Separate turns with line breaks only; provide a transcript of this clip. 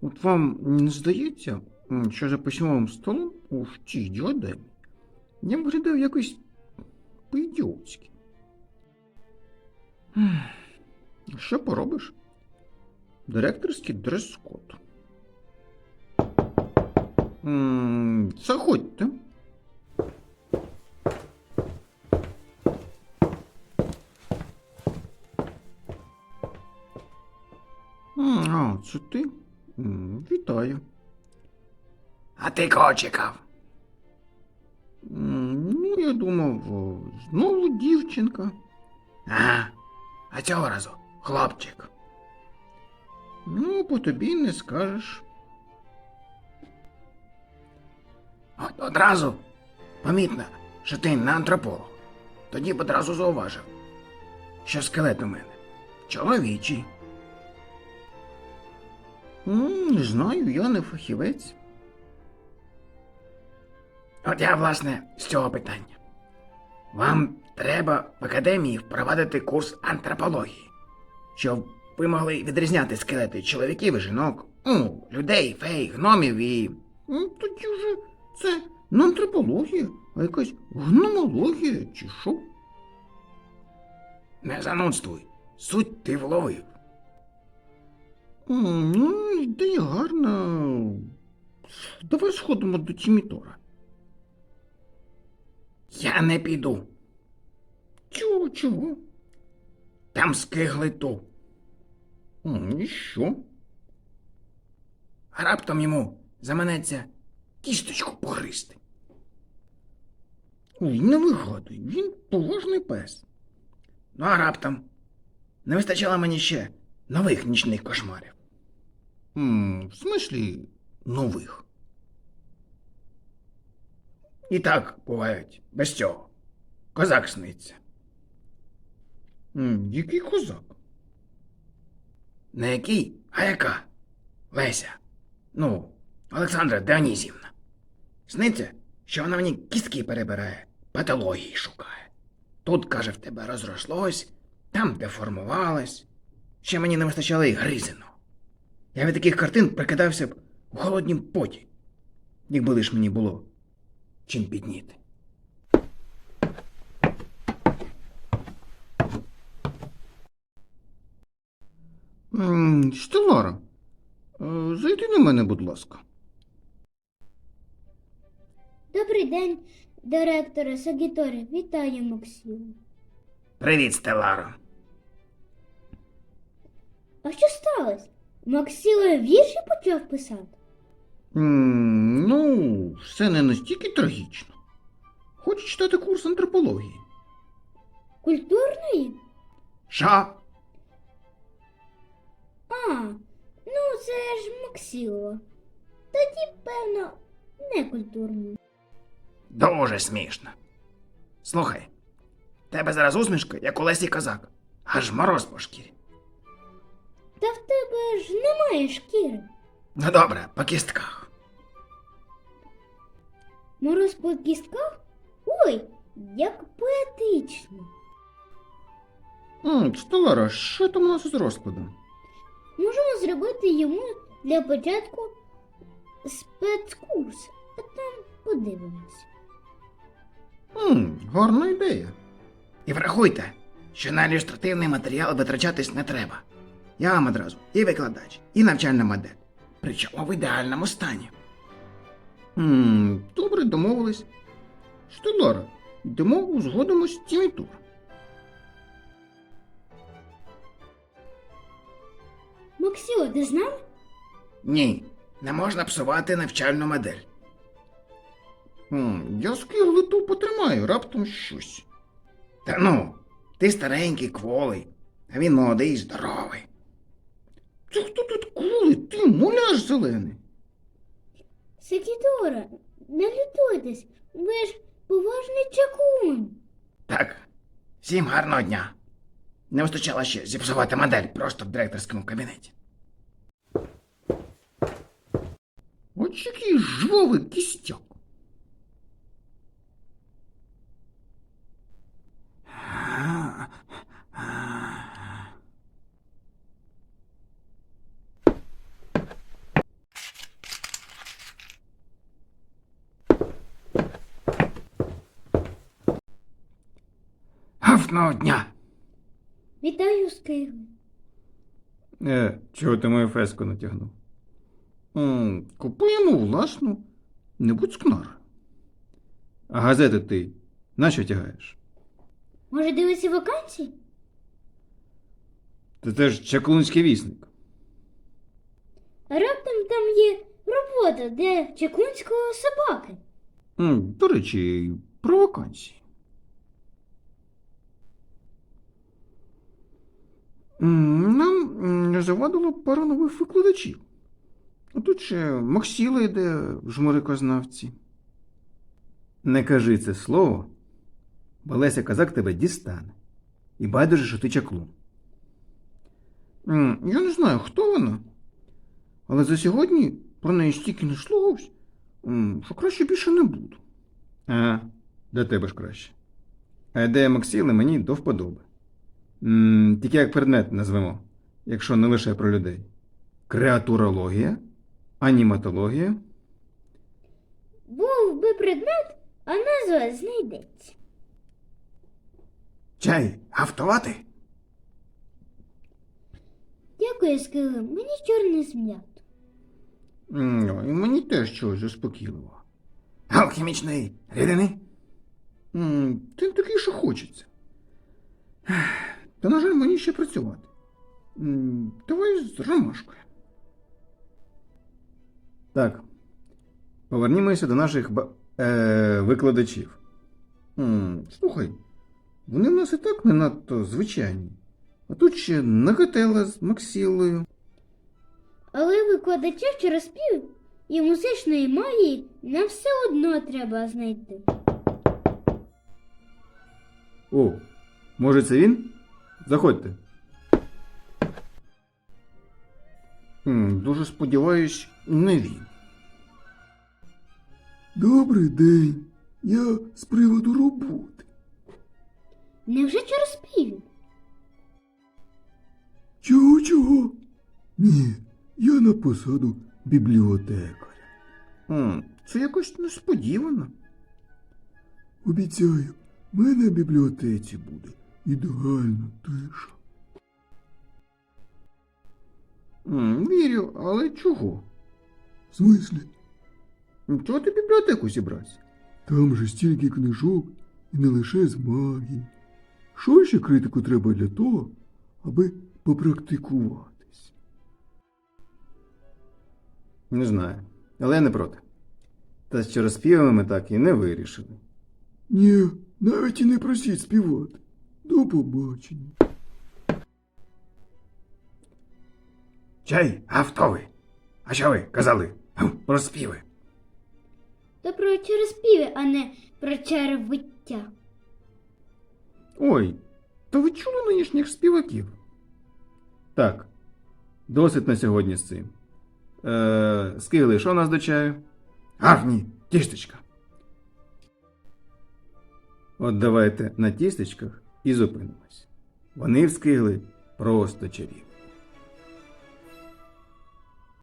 От вам не здається, що за письмовим столом у тій діадемі я виглядав якось по-ідіотськи. Що поробиш? Директорський дрес-код. Заходьте. А, це ти? Вітаю.
А ти кого чекав?
Ну, я думав, знову дівчинка.
Ага. А цього разу хлопчик.
Ну, по тобі не скажеш.
От одразу помітно, що ти не антрополог. Тоді б одразу зауважив, що скелет у мене чоловічий.
Не знаю, я не фахівець.
От я, власне, з цього питання. Вам треба в академії впровадити курс антропології, щоб ви могли відрізняти скелети чоловіків і жінок, людей, фей, гномів і...
Тоді вже це не антропологія, а якась гномологія чи що?
Не занудствуй, суть ти вловив.
Ну, ідея гарна. Давай сходимо до Тімітора.
Я не піду.
Чого?
Там скигли ту.
І що?
А раптом йому заманеться кісточку погризти.
Ой, не вигадуй, він поважний пес.
Ну а раптом не вистачало мені ще нових нічних кошмарів.
В смислі нових?
І так бувають без цього. Козак сниться.
Який козак?
Не який, а яка? Леся. Олександра Діонізівна. Сниться, що вона мені кістки перебирає, патології шукає. Тут, каже, в тебе розрослось, там деформувалось. Ще мені не вистачало і гризиного. Я від таких картин прикидався б у холоднім поті, якби лиш мені було чим підніти.
Стеллара, зайди на мене, будь ласка.
Добрий день, директоре Сагіторі. Вітаю, Максиму.
Привіт, Стелларо.
А що сталося? Максило вірші почав писати?
Ну, все не настільки трагічно. Хочу читати курс антропології.
Культурної?
Що?
А, ну це ж Максило. Тоді, певно, не культурної.
Дуже смішно. Слухай, тебе зараз усмішка, як у Лесі Козак. Аж мороз по шкірі.
Та в тебе ж немає шкіри.
Ну добре, по кістках.
Мороз по кістках? Ой, як поетично.
Стеллара, що там у нас із розкладом?
Можемо зробити йому для початку спецкурс, а там подивимось.
Гарна ідея.
І врахуйте, що на ілюстративний матеріал витрачатись не треба. Я вам одразу і викладач, і навчальна модель. Причому в ідеальному стані.
Добре, домовились. Стеллара, йдемо узгодимось з Тімітор.
Максило, ти з нами?
Ні, не можна псувати навчальну модель.
Я скиглиту потримаю, раптом щось.
Та ну, ти старенький, кволий, а він молодий і здоровий.
Це хто тут кули? Ти муляж зелений.
Сакідора, не лютуйтесь, ви ж поважний чаклун.
Так, всім гарного дня. Не вистачало ще зіпсувати модель просто в директорському кабінеті.
От який жвавий кістяк.
Прекрасного дня!
Вітаю, Скигли.
Чого ти мою феску натягнув? Купуємо власну, не будь скнара. А газети ти нащо тягаєш?
Може, дивитися вакансії?
Це ж Чаклунський вісник.
А раптом там є робота для чаклунського собаки.
До речі, про вакансії. Нам не завадило пару нових викладачів. А тут ще Максіла йде в жмурикознавці. Не кажи це слово, бо Леся Казак тебе дістане. І байдуже, що ти чаклун. Я не знаю, хто вона, але за сьогодні про неї стільки не йшлось, що краще більше не буду. Для тебе ж краще. А ідея Максіли мені до вподоби. Тільки як предмет назвемо, якщо не лише про людей. Креатурологія, аніматологія.
Був би предмет, а назва знайдеться.
Чай, автовати?
Дякую, Скигли. Мені чорний зм'ят.
І мені теж чогось заспокійливо.
Алхімічної рідини?
Ти такий, що хочеться. Та, на жаль, мені ще працювати. Давай з ромашкою. Так. Повернімося до наших викладачів. Слухай, вони в нас і так не надто звичайні. А тут ще Нагателла з Максілою.
Але викладача через спів і музичної магії нам все одно треба знайти.
О, може це він? Заходьте. Дуже сподіваюсь, не він.
Добрий день. Я з приводу роботи.
Невже через спів?
Чого? Ні, я на посаду бібліотекаря.
Це якось несподівано.
Обіцяю, в мене в бібліотеці буде ідеальна тиша.
Вірю, але чого?
В смислі,
Чого ти в бібліотеку зібрався?
там же стільки книжок і не лише з магії. Що ще критику треба для того, аби попрактикуватись?
Не знаю, але я не проти. Та що розпівами ми так і не вирішили.
Ні, навіть і не просіть співати. До побачення.
Чай, автовий. А що ви казали? Про співи.
То про через співи, а не про червиття.
Ой, то ви чули нинішніх співаків? Так, досить на сьогодні з цим. Скигли, що у нас до чаю?
Ні, тістечка.
От давайте на тістечках і зупинимось. Вони в Скигли просто чарівні.